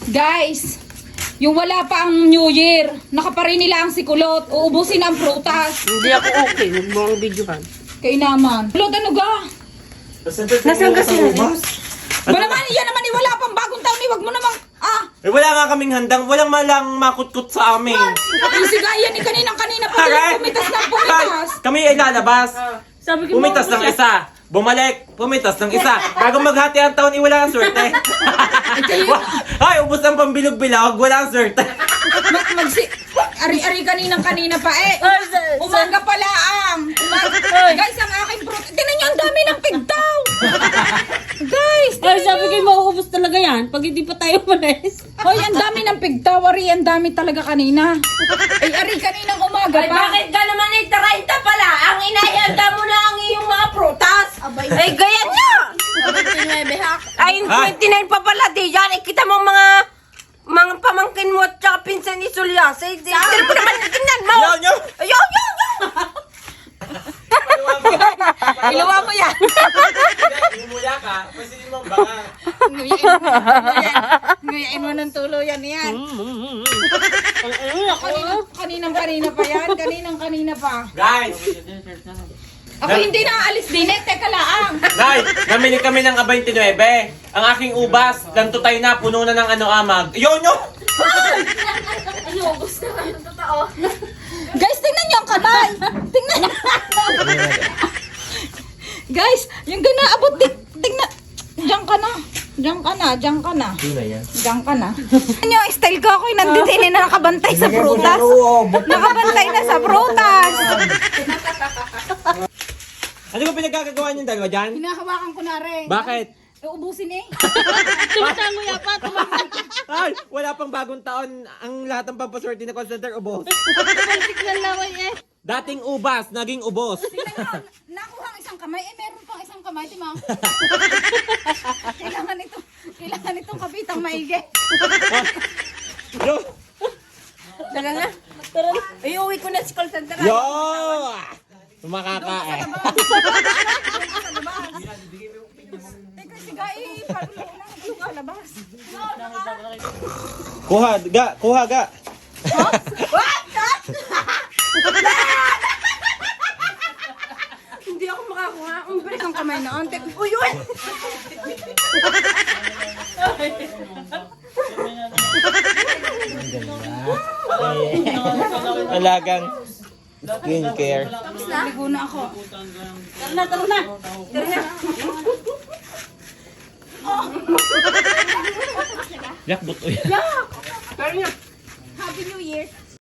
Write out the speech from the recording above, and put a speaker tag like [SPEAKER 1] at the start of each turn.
[SPEAKER 1] Guys, yung wala pa ang New Year, nakaparin nila ang sikulot, uubusin ang prutas.
[SPEAKER 2] Hindi ako okay. Huwag mo ang videohan.
[SPEAKER 1] Kay naman. Kulot, ano ga?
[SPEAKER 2] Nasaan kasi na?
[SPEAKER 1] Wala naman, yan naman, wala pang bagong taon, wag mo namang,
[SPEAKER 3] Eh, wala nga kaming handang, walang malang makutkot sa amin.
[SPEAKER 1] yung sigayan ni kaninang-kanina pa din, pumitas na pumitas.
[SPEAKER 3] Kami ay lalabas.
[SPEAKER 2] Sabi ko,
[SPEAKER 3] Pumitas ng isa. Bumalik, pumitas ng isa. Bago maghati ang taon, wala ang swerte. Ay, ubos ang pambilog-bilog, wala ang swerte.
[SPEAKER 1] Ari-ari kaninang-kanina pa umaga pala ang. Guys, ang aking fruit. Tingnan nyo, ang dami ng pigtaw. Guys,
[SPEAKER 2] ay, sabi ko, mauubos talaga yan pag hindi pa tayo malis.
[SPEAKER 1] hoy, ang dami ng pigtaw. Ari, ang dami talaga kanina. Ay, ari kaninang umaga
[SPEAKER 4] Ay,
[SPEAKER 1] pa.
[SPEAKER 4] bakit ka naman ay 30 pala? Ang inahanda mo na ang iyong mga prutas. Ay, gaya niya! Ay, 29 pa pala, di yan. Eh, kita mo mga pamangkin mo at saka pinsan ni Sulya. Say, pero mo naman tingnan mo.
[SPEAKER 3] Yo!
[SPEAKER 4] Ayaw!
[SPEAKER 1] Ilawa mo yan.
[SPEAKER 3] Umula ka, pasilin mo baka.
[SPEAKER 1] Ngayain mo ng tuluyan yan. Kaninang-kanina pa yan. Kaninang-kanina pa.
[SPEAKER 3] Guys!
[SPEAKER 1] Ako hindi na aalis din eh. Teka laang.
[SPEAKER 3] Guys, namili kami ng A29. Ang aking ubas, ganto tayo na, puno na ng amag. Yo!
[SPEAKER 1] Guys, tingnan niyo ang kamay. Tingnan niyo. Guys, yung ganaabot. Tingnan. Diyan ka na. Diyan ka na. Diyan ka na. Diyan ka na. Ano yung style ko? Ako'y nandito na nakabantay sa prutas. Nakabantay na sa prutas.
[SPEAKER 3] Ano ba pinagkagagawa niyong dalawa dyan?
[SPEAKER 1] Hinahawakan ko na rin.
[SPEAKER 3] Bakit?
[SPEAKER 1] Uubusin eh.
[SPEAKER 2] Tumatango yan pa.
[SPEAKER 3] Ay, wala pang bagong taon. Ang lahat ng pampaswerte na call center, ubos.
[SPEAKER 2] Tumalsik na laway eh.
[SPEAKER 3] Dating ubas, naging ubos.
[SPEAKER 1] Tingnan nyo, nakuha ang isang kamay. Eh, meron pang isang kamay, Timang. Kailangan itong kapitang maigi.
[SPEAKER 3] Yo!
[SPEAKER 4] Tara na. Ay, uwi ko na si call center.
[SPEAKER 3] Yo! Makakae.
[SPEAKER 1] Teka, siga eh. Palulo na. Ano ka, labas?
[SPEAKER 3] Kuha ga.
[SPEAKER 1] Hindi ako makakuha. Ang bilis ang kamay na. Uy, uy!
[SPEAKER 3] Alagang skincare.
[SPEAKER 1] Ligo na ako.
[SPEAKER 2] Tara na.
[SPEAKER 3] Yak, buto yan.
[SPEAKER 1] Happy New Year.